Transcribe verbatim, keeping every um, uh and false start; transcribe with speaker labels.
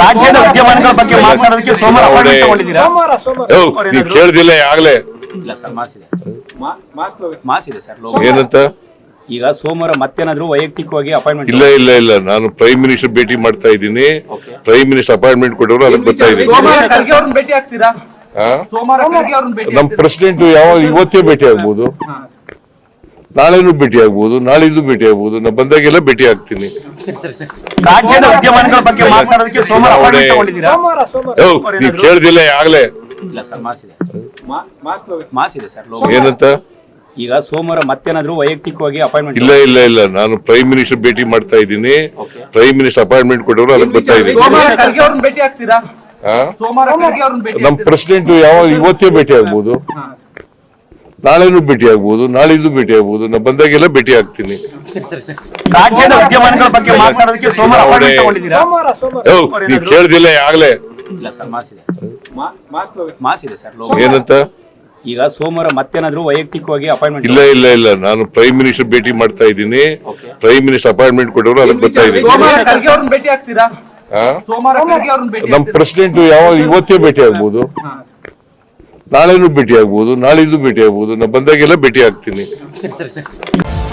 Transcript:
Speaker 1: ರಾಜ್ಯದ ವಿದ್ಯಮಾನಗಳ ಬಗ್ಗೆ ಮಾತನಾಡೋದಕ್ಕೆ ಸೋಮವಾರ ಅಪಾಯಿಂಟ್ಮೆಂಟ್ ತಗೊಂಡಿದ್ದೀರಾ?
Speaker 2: ನೀವು ಕೇಳ್ದಿಲ್ಲ ಆಗ್ಲೇ
Speaker 1: ಇಲ್ಲ ಸರ್, ಮಾಸ್ ಇದೆ, ಮಾಸ್ ಇದೆ ಸರ್.
Speaker 2: ಏನಂತ
Speaker 1: ಈಗ ಸೋಮವಾರ ಮತ್ತೇನಾದ್ರೂ ವೈಯಕ್ತಿಕವಾಗಿ ಅಪಾಯಿಂಟ್ಮೆಂಟ್?
Speaker 2: ಇಲ್ಲ ಇಲ್ಲ ಇಲ್ಲ ನಾನು ಪ್ರೈಮ್ ಮಿನಿಸ್ಟರ್ ಭೇಟಿ ಮಾಡ್ತಾ ಇದ್ದೀನಿ. ಪ್ರೈಮ್ ಮಿನಿಸ್ಟರ್ ಅಪಾಯಿಂಟ್ಮೆಂಟ್ ಕೊಟ್ಟವರು ಅದಕ್ಕೆ ಬರ್ತಾ ಇದ್ದೀನಿ.
Speaker 1: ಭೇಟಿ ಆಗ್ತೀರಾ?
Speaker 2: ನಮ್ ಪ್ರೆಸಿಡೆಂಟ್ ಯಾವಾಗ ಇವತ್ತೇ ಭೇಟಿ ಆಗ್ಬೋದು, ನಾಳೆನೂ ಭೇಟಿ ಆಗ್ಬೋದು, ನಾಳಿದ್ದು ಭೇಟಿ ಆಗ್ಬೋದು. ನಾ ಬಂದಾಗೆಲ್ಲ ಭೇಟಿ ಆಗ್ತೀನಿ.
Speaker 1: ರಾಜ್ಯದ ವಿದ್ಯಮಾನಗಳ ಬಗ್ಗೆ ಮಾತನಾಡೋದಕ್ಕೆ ಸೋಮವಾರ ಅಪಾಯಿಂಟ್ಮೆಂಟ್ ತಗೊಂಡಿದ್ದೀರಾ?
Speaker 2: ನೀವು ಕೇಳ್ದಿಲ್ಲ ಆಗ್ಲೇ
Speaker 1: ಇಲ್ಲ ಸರ್, ಮಾಸ್ ಇದೆ, ಮಾಸ್ ಇದೆ ಸರ್.
Speaker 2: ಏನಂತ
Speaker 1: ಈಗ ಸೋಮವಾರ ಮತ್ತೇನಾದ್ರೂ ವೈಯಕ್ತಿಕವಾಗಿ ಅಪಾಯಿಂಟ್ಮೆಂಟ್?
Speaker 2: ಇಲ್ಲ ಇಲ್ಲ ಇಲ್ಲ ನಾನು ಪ್ರೈಮ್ ಮಿನಿಸ್ಟರ್ ಭೇಟಿ ಮಾಡ್ತಾ ಇದ್ದೀನಿ. ಪ್ರೈಮ್ ಮಿನಿಸ್ಟರ್ ಅಪಾಯಿಂಟ್ಮೆಂಟ್ ಕೊಟ್ಟವರು ಅದಕ್ಕೆ ಬರ್ತಾ ಇದ್ದೀನಿ.
Speaker 1: ಭೇಟಿ ಆಗ್ತೀರಾ?
Speaker 2: ನಮ್ ಪ್ರೆಸಿಡೆಂಟ್ ಯಾವಾಗ ಇವತ್ತೇ ಭೇಟಿ ಆಗ್ಬೋದು, ನಾಳೆನೂ ಭೇಟಿ ಆಗ್ಬೋದು, ನಾಳಿದ್ದು ಭೇಟಿ ಆಗ್ಬೋದು. ನಾ ಬಂದಾಗೆಲ್ಲ ಭೇಟಿ ಆಗ್ತೀನಿ.
Speaker 1: ರಾಜ್ಯದ ವಿದ್ಯಮಾನಗಳ ಬಗ್ಗೆ ಮಾತನಾಡೋದಕ್ಕೆ ಸೋಮವಾರ ಅಪಾಯಿಂಟ್ಮೆಂಟ್ ತಗೊಂಡಿದ್ದೀರಾ?
Speaker 2: ನೀವು ಕೇಳ್ದಿಲ್ಲ ಆಗ್ಲೇ
Speaker 1: ಇಲ್ಲ ಸರ್, ಮಾಸ್ ಇದೆ, ಮಾಸ್ ಇದೆ ಸರ್.
Speaker 2: ಏನಂತ
Speaker 1: ಈಗ ಸೋಮವಾರ ಮತ್ತೇನಾದ್ರೂ ವೈಯಕ್ತಿಕವಾಗಿ ಅಪಾಯಿಂಟ್ಮೆಂಟ್?
Speaker 2: ಇಲ್ಲ ಇಲ್ಲ ಇಲ್ಲ ನಾನು ಪ್ರೈಮ್ ಮಿನಿಸ್ಟರ್ ಭೇಟಿ ಮಾಡ್ತಾ ಇದ್ದೀನಿ. ಪ್ರೈಮ್ ಮಿನಿಸ್ಟರ್ ಅಪಾಯಿಂಟ್ಮೆಂಟ್ ಕೊಟ್ಟವರು ಅದಕ್ಕೆ ಬರ್ತಾ ಇದ್ದೀನಿ.
Speaker 1: ಭೇಟಿ ಆಗ್ತೀರಾ?
Speaker 2: ನಮ್ ಪ್ರೆಸಿಡೆಂಟ್ ಯಾವಾಗ ಇವತ್ತೇ ಭೇಟಿ ಆಗ್ಬೋದು, ನಾಳೆನೂ ಭೇಟಿ ಆಗ್ಬೋದು, ನಾಳಿದ್ದು ಭೇಟಿ ಆಗ್ಬೋದು. ನಾ ಬಂದಾಗೆಲ್ಲ ಭೇಟಿ ಆಗ್ತೀನಿ.